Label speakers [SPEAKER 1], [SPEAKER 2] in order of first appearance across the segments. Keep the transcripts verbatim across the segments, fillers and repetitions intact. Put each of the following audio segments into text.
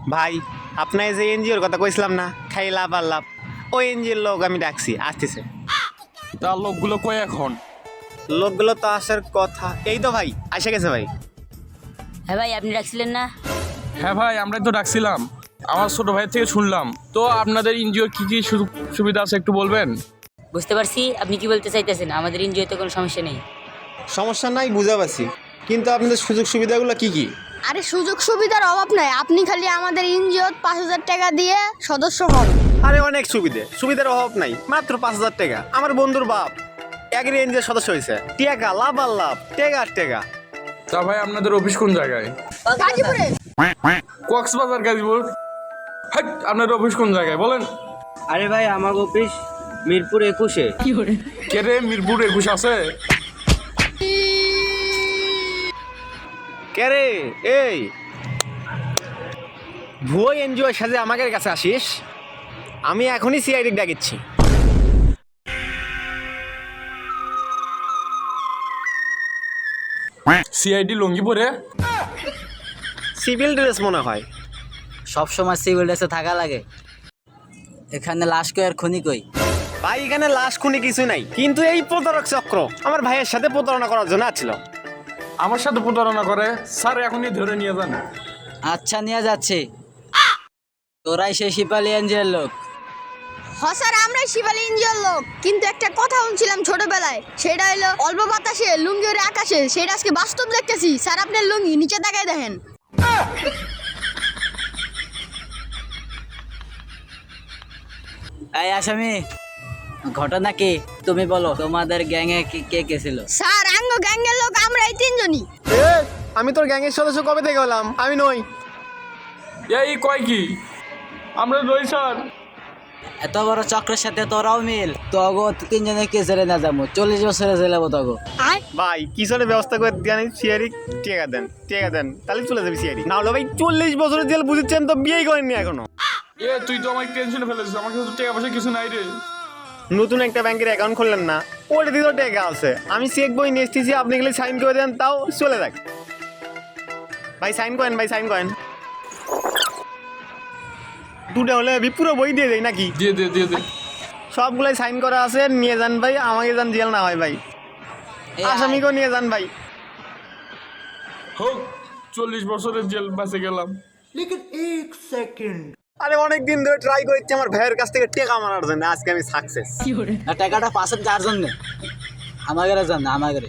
[SPEAKER 1] ভাই আপনার যে এনজিওর কথা কইছিলাম না, খাই লাভ আর লাভ, ওই এনজিওর লোক আমি ডাকছি, আসতেছে।
[SPEAKER 2] তার লোকগুলো কই এখন?
[SPEAKER 1] লোকগুলো তো আসার কথা, এই তো ভাই আসে গেছে ভাই।
[SPEAKER 3] হ্যাঁ ভাই, আপনি রাখছিলেন না?
[SPEAKER 2] হ্যাঁ ভাই, আমরাই তো ডাকছিলাম। আমার ছোট ভাই থেকে শুনলাম তো আপনাদের এনজিওর কি কি সুযোগ সুবিধা আছে একটু বলবেন?
[SPEAKER 3] বুঝতে পারছি আপনি কি বলতে চাইতেছেন। আমাদের এনজিওতে কোনো সমস্যা নেই।
[SPEAKER 1] সমস্যা নাই বুঝা পাচ্ছি, কিন্তু আপনাদের সুযোগ সুবিধাগুলো কি কি?
[SPEAKER 4] আরে সুযোগ সুবিধার অভাব নাই, আপনি খালি আমাদের এনজিওত পাঁচ হাজার টাকা দিয়ে সদস্য হন।
[SPEAKER 1] আরে অনেক সুবিধে, সুবিধার অভাব নাই, মাত্র পাঁচ হাজার টাকা। আমার বন্ধুর বাপ এগ্রি এনজিওর সদস্য হয়েছে, টেকা লাভ আর লাভ, টেকা আর টেকা।
[SPEAKER 2] তা ভাই আপনাদের অফিস কোন জায়গায়?
[SPEAKER 4] গাজীপুরে।
[SPEAKER 2] কক্সবাজার, গাজীপুর। হাট, আপনাদের অফিস কোন জায়গায় বলেন?
[SPEAKER 5] আরে ভাই আমার অফিস মিরপুর একুশে।
[SPEAKER 2] কে রে, মিরপুর একুশ আছে?
[SPEAKER 1] কে রে এই ভুয়ো এনজিওর সাথে আমাদের কাছে আসিস? আমি এখনই সিআইডি ডাকিচ্ছি।
[SPEAKER 2] সিআইডি লঙ্গি পরে?
[SPEAKER 1] সিভিল ড্রেস মনে হয়।
[SPEAKER 5] সব সময় সিভিল ড্রেসে থাকা লাগে। এখানে লাশ কই আর খুনি কই?
[SPEAKER 1] ভাই এখানে লাশ খুনি কিছু নাই, কিন্তু এই প্রতারক চক্র আমার ভাইয়ের সাথে প্রতারণা করার জন্য আসছিল।
[SPEAKER 2] আমার সাথে প্রতারণা করে? স্যার এখনই ধরে নিয়ে যান।
[SPEAKER 5] আচ্ছা নিয়ে যাচ্ছে। তোরাই সেই শিপালি এনজিওর লোক?
[SPEAKER 4] হ স্যার, আমরাই শিবালী এনজিওর লোক। কিন্তু একটা কথা শুনছিলাম ছোটবেলায়, সেটা হলো অল্প বাতাসে লুঙ্গি ওরে আকাশে, সেটা আজকে বাস্তব দেখতেছি। স্যার আপনার লুঙ্গি নিচে তাকায় দেখেন।
[SPEAKER 5] এই আসামি, ঘটনা কি তুমি বলো? তোমাদের গ্যাংয়ে কে কে ছিল?
[SPEAKER 4] স্যার আঙ্গ গ্যাংয়ের লোক আমরা এই তিনজনই।
[SPEAKER 1] এ, আমি তোর গ্যাংয়ের সদস্য কবে থেকে হলাম? আমি নই।
[SPEAKER 2] এই কয় কি? আমরা রই স্যার।
[SPEAKER 5] এত বড় চক্রের সাথে তোরাও মিল? তগো তিনজনে কে জেলে না যাবো, চল্লিশ বছরে জেলে তগো।
[SPEAKER 4] আয়
[SPEAKER 1] ভাই কিসের ব্যবস্থা করে দেন সিআইডি, টেকা দেন, টেকা দেন, তাহলে চলে যাবি সিআইডি। না হলে ভাই চল্লিশ বছরের জেল বুঝেছেন তো, বিয়েই করেননি এখনো।
[SPEAKER 2] এ তুই তো আমাকে টেনশনে ফেলেছিস, আমার কাছে তো টাকা পয়সা কিছু নাই রে।
[SPEAKER 1] নতুন একটা ব্যাংকের অ্যাকাউন্ট খুললেন না, ওটা দিয়ে তো টেকা আছে। আমি চেক বই নিয়ে এসেছি, আপনি গেলে সাইন করে দেন, তাও চলে যাক। ভাই সাইন করেন, ভাই সাইন করেন। দুটো হলে আমি পুরো বই দিয়ে দেই নাকি?
[SPEAKER 2] দিয়ে দে দিয়ে দে।
[SPEAKER 1] সবগুলাই সাইন করা আছে, নিয়ে যান ভাই, আমাকে যান জেল না হয় ভাই,
[SPEAKER 5] এই
[SPEAKER 1] আসামিকেও নিয়ে যান ভাই।
[SPEAKER 2] হোক, চল্লিশ বছরের জেল বাঁচে গেলাম।
[SPEAKER 1] আরে অনেক দিন ধরে ট্রাই করছি আমার ভাইয়ের কাছ থেকে টেকা মারার জন্য, আজকে আমি সাকসেস।
[SPEAKER 5] আর টাকাটা পাশের কার জন্য? আমাদের জন্য, আমাদের।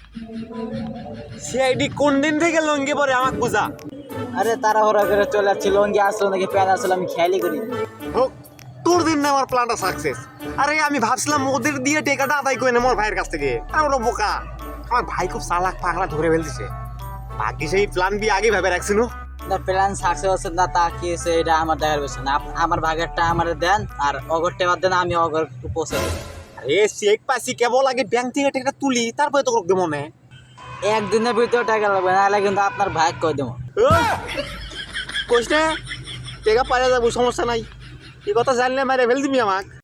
[SPEAKER 1] সিআইডি কোন দিন থেকে লঙ্গি পরে আমাকে বুঝা।
[SPEAKER 5] আরে তারা হরা করে চলে যাচ্ছিল, লঙ্গি আসলো নাকি প্যান আসলো আমি খেয়ালই করি।
[SPEAKER 1] হোক, তোর দিন না আমার প্ল্যানটা সাকসেস। আরে আমি ভাবছিলাম ওদের দিয়ে টেকাটা আদায় করে নেব আমার ভাইয়ের কাছ থেকে। আমরা বোকা, আমার ভাই খুব চালাক, পাগলা ধরে ফেলতেছে। বাকি সেই প্ল্যান বি আগে ভেবে রাখছিল।
[SPEAKER 5] না প্ল্যান সাকসেস হচ্ছে না তা কি হয়েছে এটা আমার দেখার বিষয় না। আপ- আমার ভাগেরটা আমার দেন আর অগর টেবা দেন, আমি অগর পৌঁছে দেবো।
[SPEAKER 1] আরে চেক পাইছি, কেবল আগে ব্যাংক থেকে টেকাটা তুলি, তারপরে তো করতে মনে।
[SPEAKER 5] একদিনের ভিতরে টাকা লাগবে, নাহলে কিন্তু আপনার ভাগ কই দেবো।
[SPEAKER 1] কোশ না টেকা পারে যাবো, সমস্যা নাই। এই কথা জানলে মারে ফেল দিবি আমাকে।